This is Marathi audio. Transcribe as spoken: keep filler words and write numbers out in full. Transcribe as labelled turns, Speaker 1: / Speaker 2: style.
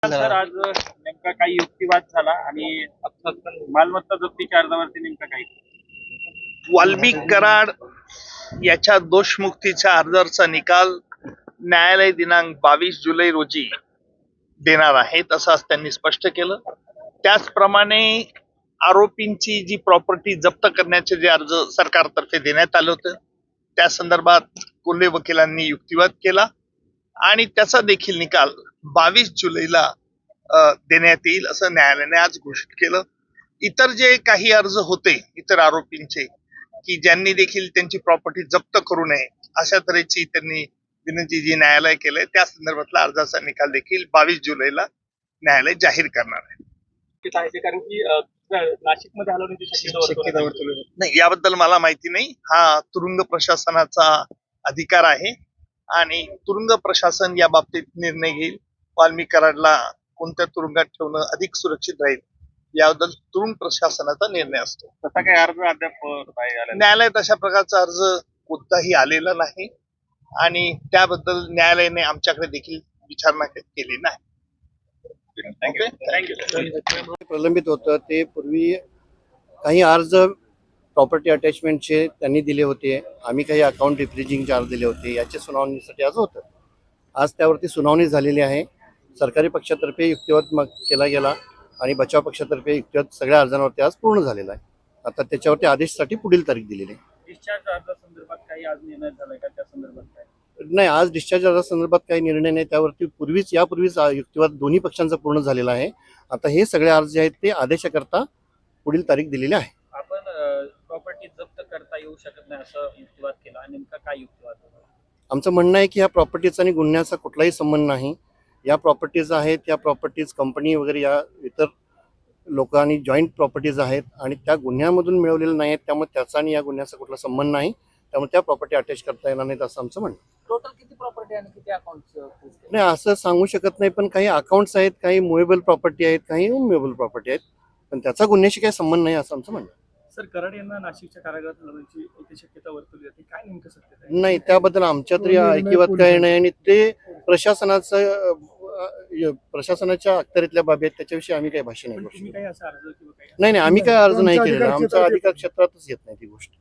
Speaker 1: सर आज नेमका काही युक्तिवाद झाला आणि मालमत्ता जप्तीच्या अर्जावरती नेमका काही
Speaker 2: वाल्मिक कराड याच्या दोषमुक्तीच्या अर्जाचा निकाल न्यायालय दिनांक बावीस जुलै रोजी देणार आहेत असं आज त्यांनी स्पष्ट केलं. त्याचप्रमाणे आरोपींची जी प्रॉपर्टी जप्त करण्याचे जे अर्ज सरकारतर्फे देण्यात आलं होतं त्या संदर्भात कोल्हे वकिलांनी युक्तिवाद केला आणि त्याचा देखील निकाल बावीस जुलैला देण्यात येईल असं न्यायालयाने आज घोषित केलं. इतर जे काही अर्ज होते इतर आरोपींचे की ज्यांनी देखील त्यांची प्रॉपर्टी जप्त करू नये अशा तऱ्हेची त्यांनी विनंती जी न्यायालय केलंय त्या संदर्भातला अर्जाचा निकाल देखील बावीस जुलैला न्यायालय जाहीर करणार आहे.
Speaker 1: कारण की नाशिकमध्ये हलवण्याची
Speaker 2: नाही याबद्दल मला माहिती नाही. हा तुरुंग प्रशासनाचा अधिकार आहे आणि तुरुंग प्रशासन या बाबतीत निर्णय घेईल. वाल्मिक कराडला कोणत्या तुरुंगात ठेवणं अधिक सुरक्षित राहील याबद्दल तुरुंग प्रशासनाचा निर्णय असतो.
Speaker 1: तसा काही अर्ज अद्याप
Speaker 2: न्यायालयात अशा प्रकारचा अर्ज कोणताही आलेला नाही आणि त्याबद्दल न्यायालयाने आमच्याकडे देखील विचारणा केली नाही.
Speaker 3: प्रलंबित होतं ते पूर्वी काही अर्ज प्रॉपर्टी अटॅचमेंटचे त्यांनी दिले होते, आम्ही काही अकाउंट रिफ्रिजिंग चार्ज दिले होते, याच्या सुनावणीसाठी आज होतं. आज त्यावरती सुनावणी झालेली आहे. सरकारी पक्षातर्फे युक्तिवाद मग केला गेला आणि बचाव पक्षातर्फे युक्तिवाद सगळ्या अर्जांवरती आज पूर्ण झालेला आहे. आता त्याच्यावरती आदेशासाठी पुढील तारीख दिलेली आहे.
Speaker 1: डिस्चार्ज अर्जासंदर्भात काही आज निर्णय झालाय का? त्या संदर्भात काय
Speaker 3: नाही, आज डिस्चार्ज अर्जासंदर्भात काही निर्णय नाही. त्यावरती पूर्वीच यापूर्वीच युक्तिवाद दोन्ही पक्षांचा पूर्ण झालेला आहे. आता हे सगळे अर्ज जे आहेत ते आदेशाकरता पुढील तारीख दिलेली आहे.
Speaker 1: आपण प्रॉपर्टी जप्त करता येऊ शकत नाही असं युक्तिवाद केला, नेमका काय युक्तिवाद?
Speaker 3: आमचं म्हणणं आहे की ह्या प्रॉपर्टीचा आणि गुन्ह्याचा कुठलाही संबंध नाही. या प्रॉपर्टीज आहेत त्या प्रॉपर्टीज कंपनी वगैरे या इतर लोकांनी जॉईंट प्रॉपर्टीज आहेत आणि त्या गुन्ह्यामधून मिळवलेल्या नाही आहेत. त्यामुळे त्याचा आणि या गुन्ह्याचा कुठला संबंध नाही. त्यामुळे त्या प्रॉपर्टी अटॅच करता येणार नाहीत असं आमचं म्हणणं.
Speaker 1: टोटल किती प्रॉपर्टी आणि किती अकाउंट्स?
Speaker 3: नाही असं सांगू शकत नाही, पण काही अकाउंट्स आहेत, काही मुव्हेबल प्रॉपर्टी आहेत, काही अनमुव्हेबल प्रॉपर्टी आहेत, पण त्याचा गुन्ह्याशी काही संबंध नाही असं आमचं म्हणणं.
Speaker 1: सर, कराड यांना नाशिकच्या कारागृहात हलवण्याची एक शक्यता वर्तवली जाते, काय नेमकं सत्य आहे?
Speaker 3: नाही, त्याबद्दल आमच्या तरी ऐकिवात काही नाही आणि ते प्रशासनाचं प्रशासनाच्या अखत्यारीतल्या बाबी आहेत, त्याच्याविषयी आम्ही काही भाष्य नाही करू शकतो.
Speaker 1: काही असा अर्ज किंवा काही
Speaker 3: नाही नाही आम्ही काय अर्ज नाही केलेला. आमच्या अधिकार क्षेत्रातच येत नाही ती गोष्ट.